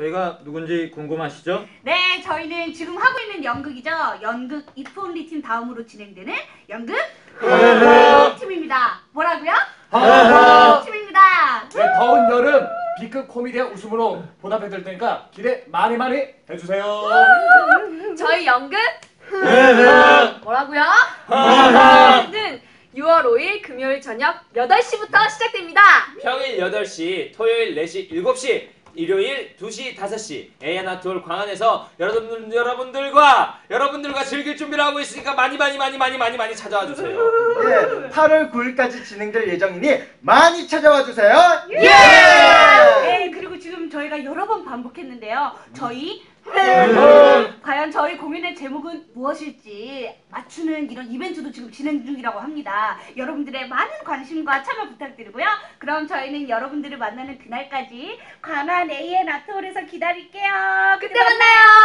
저희가 누군지 궁금하시죠? 네, 저희는 지금 하고 있는 연극이죠. 연극 If Only 팀 다음으로 진행되는 연극 팀입니다. 뭐라고요? 팀입니다. 네, 더운 여름 B급 코미디의 웃음으로 보답해드릴 테니까 기대 많이 해주세요. 저희 연극 뭐라고요? 는 6월 5일 금요일 저녁 8시부터 시작됩니다. 평일 8시, 토요일 4시, 7시, 일요일 2시, 5시 에이아나톨 광안에서 여러분들과 즐길 준비를 하고 있으니까 많이 찾아와 주세요. 네, 8월 9일까지 진행될 예정이니 많이 찾아와 주세요. 네, 그리고 지금 저희가 여러 번 반복했는데요. 저희 과연 저희 공연의 제목은 무엇일지 맞추는 이런 이벤트도 지금 진행 중이라고 합니다. 여러분들의 많은 관심과 참여 부탁드리고요. 그럼 저희는 여러분들을 만나는 그날까지 광안 AN아트홀에서 기다릴게요. 그때 만나요.